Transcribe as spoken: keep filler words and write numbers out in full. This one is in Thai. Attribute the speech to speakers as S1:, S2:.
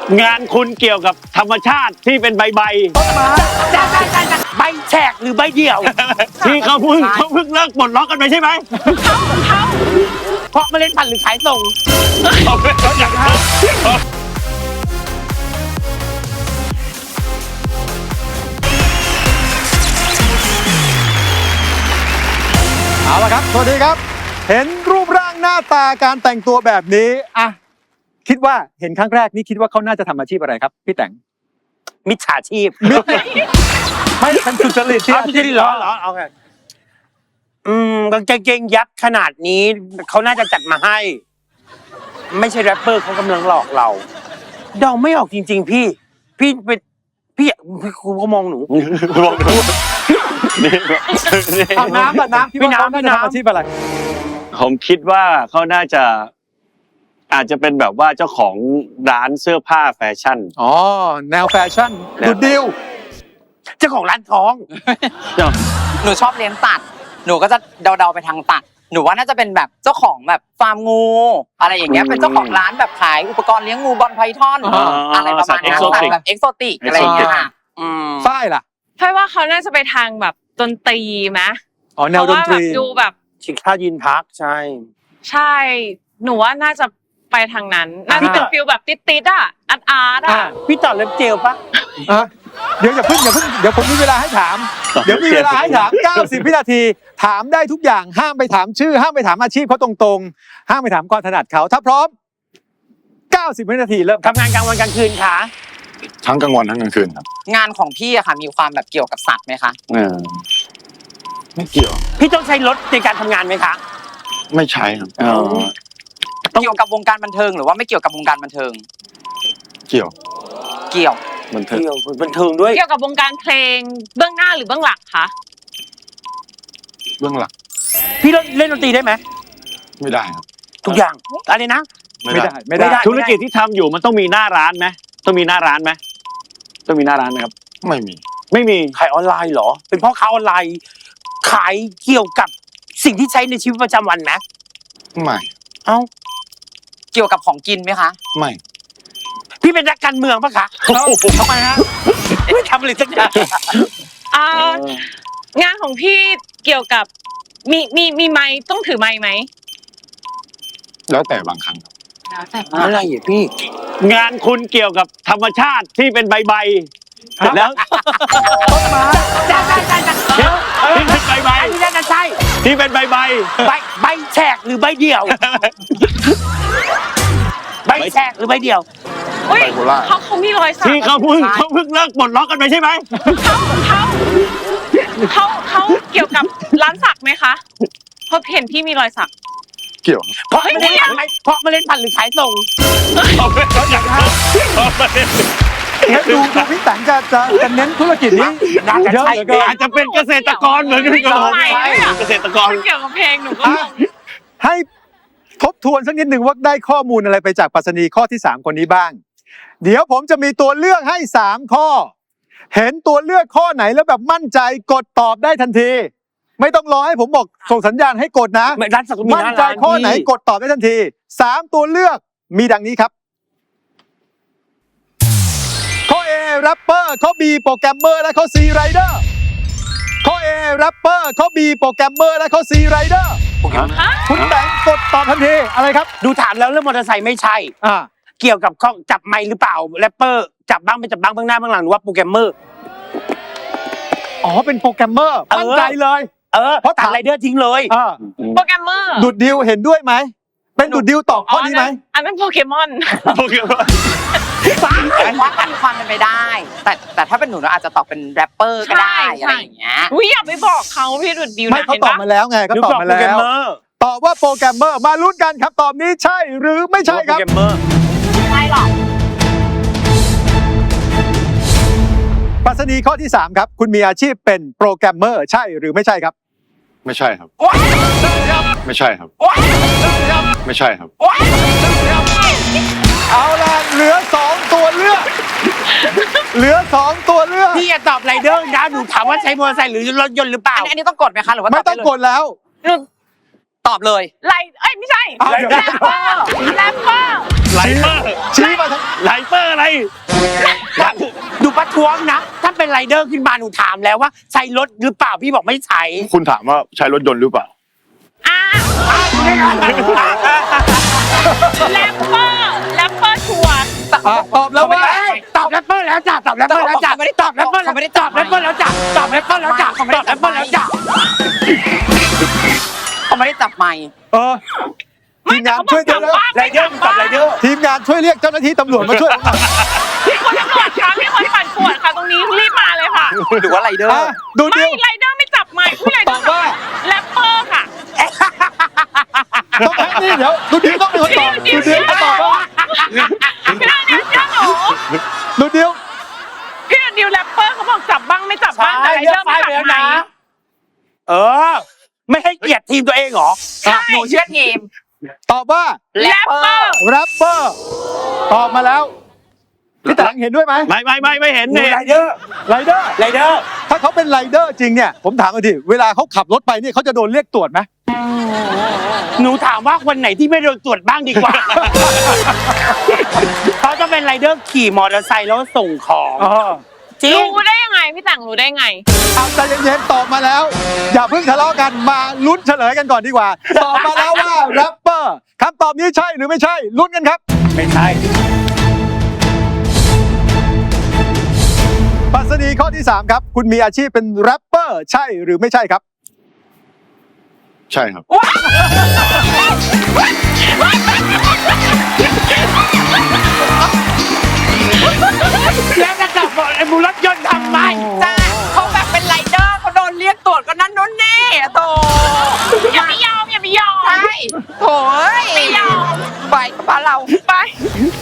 S1: งานคุณเกี่ยวกับธรรมชาติที่เป็นใบใบ
S2: ต้นไม้ใบแฉกหรือใบเดี่ยว
S1: ที่เขาเพิ่งเขาเพิ่งเลิกปลดล็อกกันไปใช่ไหม
S2: เขาเขาเพราะเมล็ดพันธุ์หรือขายส่ง
S1: เขาอยากทำ
S3: เอาละครับสวัสดีครับเห็นรูปร่างหน้าตาการแต่งตัวแบบนี้อ่ะคิดว่าเห็นครั้งแรกนี่คิดว่าเขาน่าจะทำอาชีพอะไรครับพี่แต่ง
S2: มิจฉาชีพ
S3: ไม่เป็นสุจริตที่
S2: สุจริตเหรอเหรอเอาไงอืมกางเกงยักษ์ขนาดนี้เขาน่าจะจัดมาให้ไม่ใช่แรปเปอร์เขากำลังหลอกเราเดาไม่ออกจริงๆพี่พี่เป็นพี่พี่ครูเขามองหนู
S1: มองหนู
S3: เอาน้ำอะน้ำพี่น้ำน่าจะทำอาชีพอะไร
S1: ผมคิดว่าเขาน่าจะอาจจะเป็นแบบว่าเจ้าของร้านเสื้อผ้าแฟชั่น
S3: อ๋อแนวแฟชั่นดูดิว
S2: เจ้าของร้านทอง
S4: หนูชอบเลี้ยงสัตว์หนูก็จะเดาๆไปทางสัตว์หนูว่าน่าจะเป็นแบบเจ้าของแบบฟาร์มงูอะไรอย่างเงี้ยเป็นเจ้าของร้านแบบขายอุปกรณ์เลี้ยงงูบอลไพทอนอะไรประมาณนั้นสัตว์แบบเอ็กโซติกอะไรอย่างเงี้ยค่ะ
S3: ฝ้ายล่ะ
S5: ฝ้ายว่าเขาน่าจะไปทางแบบดนตรีไหม
S3: อ๋อแนวดนตรี
S5: ดูแบบ
S2: ชิคท่ายินพักใช่
S5: ใช่หนูว่าน่าจะไปทางนั้นน่าจะเป็นฟิลแบบติดๆอ่ะอาร์ตอาร์ตอ่ะ
S2: พี่ต่อเล็บเจลปะ
S3: เดี๋ยวอย่าเพิ่งอย่าเพิ่งเดี๋ยวผมมีเวลาให้ถามเดี๋ยวมีเวลาให้ถามเก้าสิบวินาทีถามได้ทุกอย่างห้ามไปถามชื่อห้ามไปถามอาชีพเขาตรงๆห้ามไปถามความถนัดเขาถ้าพร้อมเก้าสิบวินาทีเริ่ม
S2: ทำงานกลางวันกลางคืนค่ะ
S6: ทั้งกลางวันทั้งกลางคืนครับ
S4: งานของพี่อะค่ะมีความแบบเกี่ยวกับสัตว์ไหมคะ
S6: ไม่เกี่ยว
S2: พี่ต้องใช้รถในการทำงานไหมคะ
S6: ไม่ใช้ครับ
S4: เกี่ยวกับวงการบันเทิงหรือว่าไม่เกี่ยวกับวงการบันเทิง
S6: เกี่ยว
S4: เกี่ยว
S2: บันเทิงบันเทิงด้วย
S5: เกี่ยวกับวงการเพลงเบื้องหน้าหรือเบื้องหลังคะ
S6: เบื้องหลัง
S2: พี่เล่นดนตรีได้ไหม
S6: ไม่ได้ครับ
S2: ทุกอย่างอะไรนะ
S3: ไม่ได้ไม่ได้
S1: ธุรกิจที่ทำอยู่มันต้องมีหน้าร้านไหมต้องมีหน้าร้านไหมต้องมีหน้าร้านไหมครับ
S6: ไม่มี
S1: ไม่มี
S2: ขายออนไลน์เหรอเป็นพ่อค้าออนไลน์ขายเกี่ยวกับสิ่งที่ใช้ในชีวิตประจำวันไหม
S6: ไม่
S2: เอ้า
S4: เกี่ยวกับของกินไหมคะ
S6: ไม่
S2: พี่เป็นนักการเมืองปะคะทำไมฮะไม่ทำอะไรสักอย่าง
S5: งานของพี่เกี่ยวกับมีมีมีไม้ต้องถือไม้ไหม
S6: แล้วแต่บางครั้ง
S2: แล้วแต่อะไรอ่ะพี่
S1: งานคุณเกี่ยวกับธรรมชาติที่เป็นใบใบแล้ว
S3: ต้นไม้
S2: จ้าจ้าจ้าจ้า
S1: ที่เป็นใบใบ
S2: ที่น่าจะใช่
S1: ที่เป็นใบใบ
S2: ใบใบแฉกหรือใบเดี่ยวใบแฉกหรือใบเดี่ยว
S5: เขาเขามีรอยสัก
S1: ที่เขาเพิ่งเขาเพิ่งเลิกปลดล็อกกันไปใช่ไหม
S5: เขาเขาเขาเกี่ยวกับร้านสักไหมคะเพราะเห็นพี่มีรอยสัก
S6: เกี่ยว
S2: เพราะไม่ได้เพราะเมล็ดพันธุ์หรือขายส่ง
S1: เขาอยากทำ
S3: ดูดูพี่แต่งจะจะจะเน้นธุรกิจนี้
S2: เยอะเกิน
S1: อาจจะเป็นเกษตรกรเหมือนกันกับผมเกษตรกร
S5: เกี่ยวกับเพลงหนูก็
S3: ให้ทบทวนสักนิดหนึ่งว่าได้ข้อมูลอะไรไปจากปรัชนีข้อที่สามคนนี้บ้างเดี๋ยวผมจะมีตัวเลือกให้สามข้อเห็นตัวเลือกข้อไหนแล้วแบบมั่นใจกดตอบได้ทันทีไม่ต้องรอให้ผมบอกส่งสัญญาณให้กดนะมั่นใจข้อไหนกดตอบได้ทันทีสามตัวเลือกมีดังนี้ครับข้อ A แรปเปอร์ข้อ B โปรแกรมเมอร์และข้อ C ไรเดอร์ข้อ A แรปเปอร์ข้อ B โปรแกรมเมอร์และข้อ C ไรเดอร์คุณแบงค์กดตอบทันทีอะไรครับ
S2: ดูถามแล้วเรื่องมอเตอร์ไซค์ไม่ใช่
S3: อ่า
S2: เกี่ยวกับจับไมค์หรือเปล่าแรปเปอร์จับบ้างไม่จับบ้างเบื้องหน้าเบื้องหลังหรือว่าโปรแกรมเมอร์
S3: อ๋อเป็นโปรแกรมเมอร์มั่นใจเลย
S2: เออเพราะตัดไรเดอร์ทิ้งเลย
S5: โปรแกรมเมอร์
S3: ดุดดิวเห็นด้วยไหมเป็นดุดดิวตอบข้อนี้ไหม
S5: อันนั้นโปเกมอน
S1: โปเกมอน
S4: ว่ากันความเป็นไปได้แต่แต่ถ้าเป็นหนูเราอาจจะตอบเป็นแรปเปอร์ก็ได้อะไรอย่างเงี้ย
S5: อุ้ยอย่าไปบอกเขาพี่ดุดดิวนะ
S3: ไม่เขาตอบมาแล้วไงเขาตอบมาแล้วตอบว่าโปรแกรมเมอร์มาลุ้นกันครับตอบนี้ใช่หรือไม่ใช่ครับ
S2: โปรแกรมเมอร์
S4: ไม่หรอก
S3: ปรัชนีข้อที่สามครับคุณมีอาชีพเป็นโปรแกรมเมอร์ใช่หรือไม่ใช่ครับ
S6: ไม่ใช่ครับไม่ใช่ครับไม่ใช่ครับ
S3: เอาล่ะเหลือสองตัวเลือกเหลือสองตัวเลือก
S2: พี่จะตอบไรเดอร์นะหนูถามว่าใช้มอเตอร์ไซค์หรือรถยนต์หรือเปล่า
S4: อันนี้ต้องกดไหมคะหรือว่า
S3: ไม่ต้องกดแล้ว
S4: ตอบเลย
S5: ไรเอ้ยไม่ใช่แรปเปอร์แรปเปอร์
S1: ไรไลเปอร์
S3: ชี้มาทาง
S1: ไลเปอร์อะไร
S2: ดูประท้วงนะ ถ้าเป็นไรเดอร์ขึ้นมาหนูถามแล้วว่าใช้รถหรือเปล่าพี่บอกไม่ใช้
S6: คุณถามว่าใช้รถยนต์หรือเปล่า
S5: อ่ะแรปเปอร์แรปเปอร์ชัวร์
S3: อ่ะตอบแล้วว่า
S2: ตอบแรปเปอร์แล้วจ้ะตอบแรปเปอร์แล้วจ้ะตอบแรปเปอร์แล้วตอบแรปเปอร์แล้วจ้ะตอบแรปเปอร์แล้วจ้ะตอบแรปเปอร์แล้วจ้ะ
S4: เขาไม่ได้จับไมค์
S3: เออ
S5: ไม่แต่เขาบอกกลับบ้าน
S2: ไรเดอร์ตอบไรเดอร์
S3: ทีมงานช่วยเรียกเจ้าหน้าที่ตำรวจมาช่วยผมหน่อย
S5: พี่คนตำรวจคะพี่คนปั่นปวดค่ะ ตรงนี้รีบมาเลยค่ะ
S4: หรือว่าไรเดอ
S3: อ่ะ
S4: ร์
S3: ดู
S5: ไม่
S3: ดิว
S5: ไรเดอร์ไม่จับไมค์ผู้ไรเดอร์แรปเปอร์ค่ะ
S3: ต้องให้นี่เดี๋ยวดูดิวต้องเป็นคนตอบดูดิวเขาตอบว่า
S5: พี่นาดิวเชื่อหนู
S3: ดูดิว
S5: พี่นาดิวแรปเปอร์เขาบอกจับบ้างไม่จับบ้างแต่ไรเดอร์ไม่จับไมค์
S2: เออ ไม่ให้เกียรติทีมตัวเองเหรอ
S5: ใช่
S4: หนูเชื่อทีม
S3: ตอบว่า
S5: แรปเปอร์
S3: แรปเปอร์ตอบมาแล้วพี่ตังเห็นด้วยไหม
S1: ไม่ไม่ไม่ไม่เห็น
S2: หนู
S1: เนี่ย
S2: ไรเดอร์
S3: ไรเดอร์
S2: ไรเดอร์
S3: ถ้าเขาเป็นไรเดอร์จริงเนี่ยผมถามกันทีเวลาเขาขับรถไปเนี่ยเขาจะโดนเรียกตรวจไหม
S2: หนูถามว่าวันไหนที่ไม่โดนตรวจบ้างดีกว่า เขาจะเป็นไรเดอร์ขี่มอเตอร์ไซค์แล้วส่งของ
S3: อ๋อ
S2: จริง
S5: รู้ได้ยังไงพี่แต่งรู้ได้ไง
S3: เอาใจเย็นๆตอบมาแล้ว อย่าเพิ่งทะเลาะกันมาลุ้นเฉลยกันก่อนดีกว่า ตอบมาแล้วว่าแรปเปอร์คำตอบนี้ใช่หรือไม่ใช่ลุ้นกันครับ
S2: ไม่ใช่
S3: ปรัชนีข้อที่สามครับคุณมีอาชีพเป็นแรปเปอร์ใช่หรือไม่ใช่ครับ
S6: ใช่ครับ
S2: แล้วจะจับไอ้บุรถยนต์ทำไม
S4: จ้าเขาแบบเป็นไรเดอร์เขาโดนเรียกตรวจก็นั่นนู่นนี่โต
S5: อย่าไปยอมอย่าไปยอม
S4: ใช่โถย
S5: ไม่ยอม
S4: ไปกับบ้านเรา
S5: ไป